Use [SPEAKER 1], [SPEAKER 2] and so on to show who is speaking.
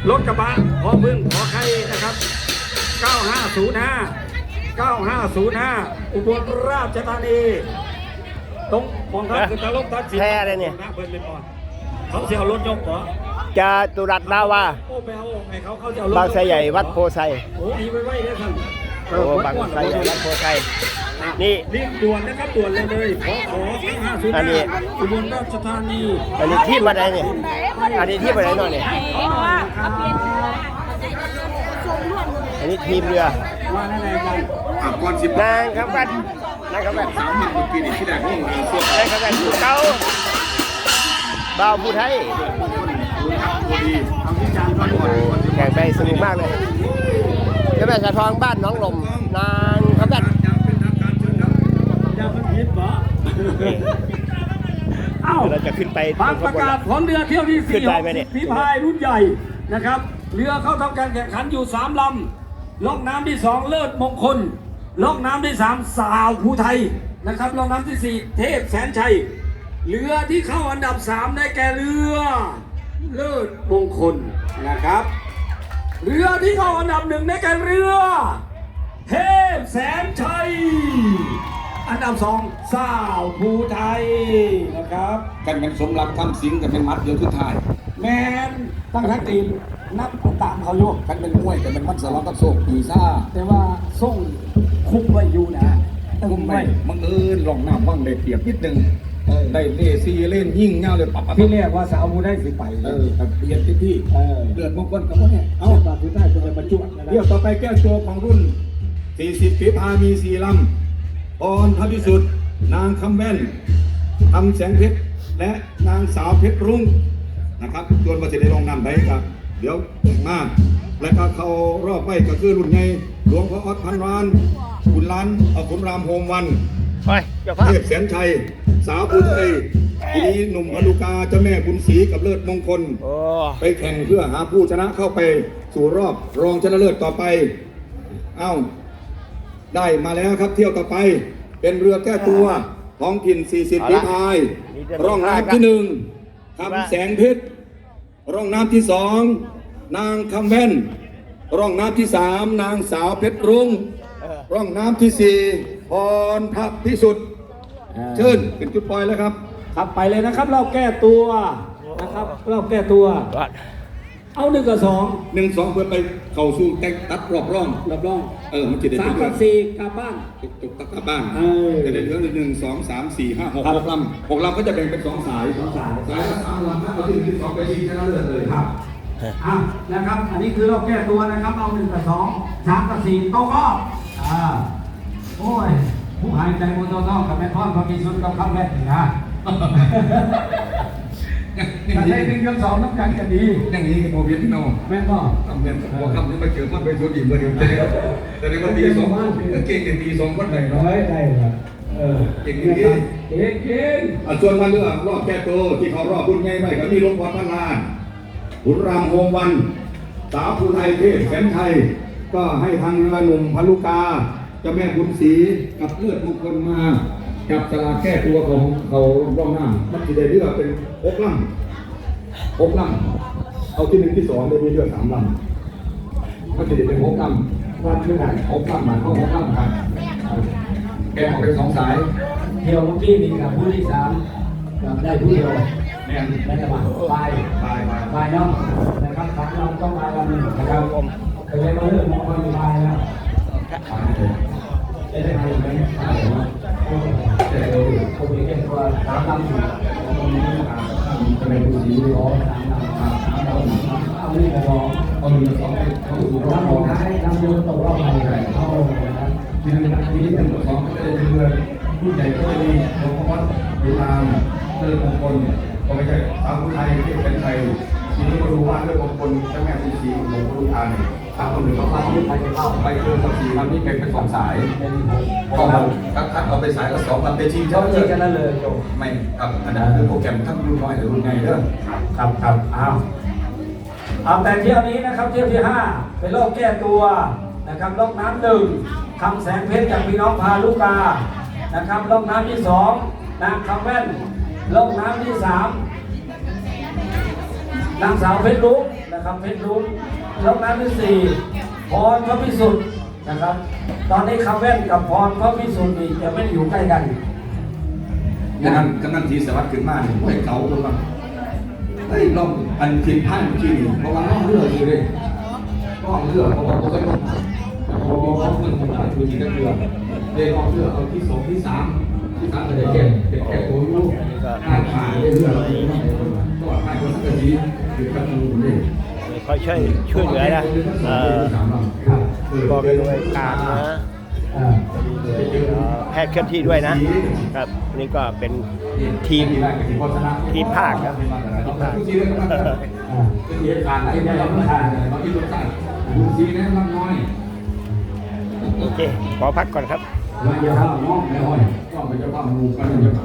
[SPEAKER 1] รถกระบะพอพึ่งขอใครนะครับ9505อุบลราชธานีตรงมองทางคือตะลกทัดสิน
[SPEAKER 2] แพ้อะไรเนี่ย
[SPEAKER 1] เพิ่นเป็นบอลเขาเสียรถยกเหรอ
[SPEAKER 2] จาตุรัสดาวา
[SPEAKER 1] โอ้ไปเอาไงเขาจะเอารถ
[SPEAKER 2] บางไทรใหญ่วัดโพไซ
[SPEAKER 1] โอ้ยไปไว้ได้ท่าน
[SPEAKER 2] โอ้บางไทรใหญ่วัดโพไซนี่
[SPEAKER 1] รีบด่วนนะครับด่วนเลยขอ
[SPEAKER 2] อันนี้
[SPEAKER 1] 505อุบลราชธานี
[SPEAKER 2] อันนี้ที่มาไหนเนี่ยอันนี้ที่มาไหนหน่อยเนี่ยอันนี้ทีมเรือ
[SPEAKER 1] ว่าแน่ๆกัน
[SPEAKER 3] ก่อนสิบ
[SPEAKER 2] นางครับกันนางครับกัน
[SPEAKER 3] สามหมื่นเมื่อกี้นี่ที่แรกนี่เสื้อน
[SPEAKER 2] างครับกันเก้าบ่าวผู้ไทย
[SPEAKER 3] พอดี
[SPEAKER 1] เอาที่จานก่อนก่อน
[SPEAKER 2] แข่งไปสนุกมากเลยเจ้าแม่สะทองบ้านหน้องลมนางครับกัน
[SPEAKER 3] ยังเป็นทางการเชิญครับ
[SPEAKER 1] อย่าเพิ่งคิดเหรอเอ้า
[SPEAKER 2] เราจะขึ้นไป
[SPEAKER 1] บางประกาศของเรือเที่ยวที่
[SPEAKER 2] ขึ้น
[SPEAKER 1] 4
[SPEAKER 2] ได้ไหมเนี่ย
[SPEAKER 1] ฝีพายรุ่นใหญ่นะครับเรือเข้าทำการแข่งขันอยู่3ลำล่องน้ำที่2เลิศมงคลล่องน้ำที่3สาวภูไทยนะครับล่องน้ำที่4เทพแสนชัยเรือที่เข้าอันดับ3ได้แก่เรือเลิศมงคลนะครับเรือที่เข้าอันดับ1ได้แก่เรือเทพแสนชัยอันดับ2สาวภูไทยนะครับ
[SPEAKER 3] กันเป็นสมรักทำสิงกันเป็นมัดเดียวทุกทาย
[SPEAKER 1] แมนตั้งทั้งทีมนับตามเขาโยก
[SPEAKER 3] กันเป็นมวยกันเป็นมัดสล็อตกับโศกปีซ่า
[SPEAKER 1] แต่ว่าส่งคุมไว้อยู่นะตึ
[SPEAKER 3] คุ
[SPEAKER 1] ง
[SPEAKER 3] ม
[SPEAKER 1] ไว้
[SPEAKER 3] ไม่บังเอิญลองน้ำบ้างได้เปรียบนิดนึงได้เล่ซีเล่นยิ่งเงาเลยปับ
[SPEAKER 1] ที่เรียกว่าสาวมูได้สิไป
[SPEAKER 3] กับเปลี่ยนที่เลือดมงคลกับพวกเนี่ย
[SPEAKER 1] เอา
[SPEAKER 3] เอา
[SPEAKER 1] บาดสุดท้ายเป็นประจวบนะ
[SPEAKER 3] เที่ยวต่อไปแก้ตัวของรุ่น 40 ฝีพายมี4ลำพรพระพิสุทธิ์นางคำแว่นคำแสงเพชรและนางสาวเพชรรุ่งนะครับจวนประสิทธิ์ในรองนำได้ครับ เดี๋ยวมาและก็เขารอบไปก็คือรุ่นไงหลวงพ่อออดพันรานคุณล้านขุนรามโฮมวัน
[SPEAKER 2] ไปเจ้าภาพ
[SPEAKER 3] เทพแสนชัย สาวภูไทยทีนี้หนุ่มพนุกาเจ้าแม่บุญศรีกับเลิศมงคล
[SPEAKER 2] โอ้
[SPEAKER 3] ไปแข่งเพื่อหาผู้ชนะเข้าไปสู่รอบรองชนะเลิศต่อไป เอ้า ได้มาแล้วครับเที่ยวต่อไป เป็นเรือแก้ตัวท้องถิ่น 40 ฝีพาย ร่องน้ำที่1คำแสงเพชร ร่องน้ำที่2นางคำแว่น ร่องน้ำที่3นางสาวเพชรรุ่ง ร่องน้ำที่4พรพระพิสุทธิ์เชิญเป็นจุดปล่อยแล้วครับ
[SPEAKER 1] ครับไปเลยนะครับเราแก้ตัวนะครับเราแก้ตัว
[SPEAKER 2] วัด
[SPEAKER 1] เอา1 กับ
[SPEAKER 3] 1 2 เพื่อไปเข้าสู่แต่งตัดรอบร่อง
[SPEAKER 1] 2รับรอง
[SPEAKER 3] มันจะได้
[SPEAKER 1] 3 กับ 4กลับบ้าน
[SPEAKER 3] ตกกลับบ้าน
[SPEAKER 1] อ
[SPEAKER 3] จะได้เหลือ1 2 3 4 5 6
[SPEAKER 1] ครับ
[SPEAKER 3] 6ลำ6ลำก็จะแบ่งเป็น2 สาย
[SPEAKER 1] 2 สาย
[SPEAKER 3] สายละ3 ลำถ้าเอาที่2ไปชิงชนะเลิศเลยครับ
[SPEAKER 1] อ่ะนะครับอันนี้คือเราแก้ตัวนะครับเอา1 กับ 2 3 กับ 4ตกรอบโอ้ยผู้หายใจมนต์ต้องกับแม่พ่อพอมีชุดกับคำแรกนี่นะถ้าได้1 กับ 2น้ำกันจะดี
[SPEAKER 3] อย่างนี้โมเวียนโน
[SPEAKER 1] แม่พ่อ
[SPEAKER 3] ทำเวียนหัวคำนี้มาเจอมันเป็นตัวดีเบอร์เดียวแต่ในวันตี2เก่งแต่ตี2คนไหนเนาะ
[SPEAKER 1] ได้ครับเก่งเก่ง
[SPEAKER 3] ส่วนมาเลือกรอบแก้ตัวที่เขารอบคุณไงไปก็มีหลวงพ่อพันลานขุนรามโฮมวันสาวภูไทยเทพแสนชัยก็ให้ทางเรือหนุ่มพลุกาเจ้าแม่บุญศรีกับเลือดมงคลมากับสลากแก้ตัวของเขาร่องน้ำมันจะได้เลือกเป็น6 ลำ6 ลำเอาที่1 ที่ 2ได้มีเลือก3 ลำมันจะได้เป็น6 ลำวันเท่าไหร่6 ลำหมายเข้า6 ลำครับแกออกเป็น2 สาย
[SPEAKER 1] เที่ยวเมื่อกี้นี่กับผู้ที่3กับได้ผู้เดียว
[SPEAKER 3] แม่น
[SPEAKER 1] ในจังหวัดไป
[SPEAKER 3] ตาย
[SPEAKER 1] เนาะนะครับสามเราต้องมาลำหนึ่งนะครับเคยมาเรื่องมองคนไปแล้วจะได้ใครไหมเขามีแค่ตัว3 ลำอยู่จะเป็นผู้สีร้อน3 ลำเอาไม่พอเอามี2เขาอยู่รอบสุดท้ายลำเดียวตกรอบไปเข้านะครับ
[SPEAKER 3] ทีนี้เป็น2ก็จะเป็นเรือผู้ใหญ่ก็จะมีหลวงพ่อวัดอยู่ตามเรือมงคลก็ไม่ใช่สาวผู้ไทยที่เป็นไทยทีนี้มาดูว่าเรือมงคลเจ้าแม่กุญชีหลวงพ่อทานทางคนหนึ่งเขาไปเรือ4 ลำนี้เป็น2 สายก็คัดเอาไปสายละ2 ลำไปชิง
[SPEAKER 1] เขา
[SPEAKER 3] เจ้า
[SPEAKER 1] จะนั่นเลยจบ
[SPEAKER 3] ไม่ครับอันนั้นคือโปรแกรมทั้งรุ่นน้อยหรือรุ่นใหญ่เด้อ
[SPEAKER 1] ครับเอาแต่เที่ยวนี้นะครับเที่ยวที่5เป็นรอบแก้ตัวนะครับรอบน้ำ1คำแสงเพชรจากพี่น้องพาลูกานะครับรอบน้ำที่2นางคำแว่นรอบน้ำที่3นางสาวเพชรลุกนะครับนะครับเพชรลุ้งร่องน้ำที่สี่พรพระพิสุทธิ์นะครับ ตอนนี้คำแว่นกับพรพระพิสุทธิ์นี่จะไม่อยู่ใกล้กัน
[SPEAKER 3] กำนันทีสวัสดิ์ขึ้นมาเนี่ยห้วยเก่าคนละเฮ้ยลองอันผิดพลาดเมื่อกี้นี่เพราะว่าน้องเลือกอยู่เลยน้องเลือกเพราะว่าตัวก็ลงพอเขาเงินของเราคือจริงก็เลือกเลยน้องเลือกเอาที่สองที่สามก็ได้แก่แก่ตัวลูกผ่านเลือกก็ผ่านคนสักทีหรือกันดูเลย
[SPEAKER 2] คอยช่วยเหลือนะบอกไปด้วยการนะแพทย์เคลื่อนที่ด้วยนะครับนี่ก็เป็นทีมภาคครับทีมภาค
[SPEAKER 3] เป็นเหตุการณ์อะไรได้รับประทานบางทีรสชาติดูซีแนะนำน้อย
[SPEAKER 2] โอเคขอพักก่อนครับ
[SPEAKER 3] เราจะทำน้องไม่ห้อยก็ไปจะทำมูกัน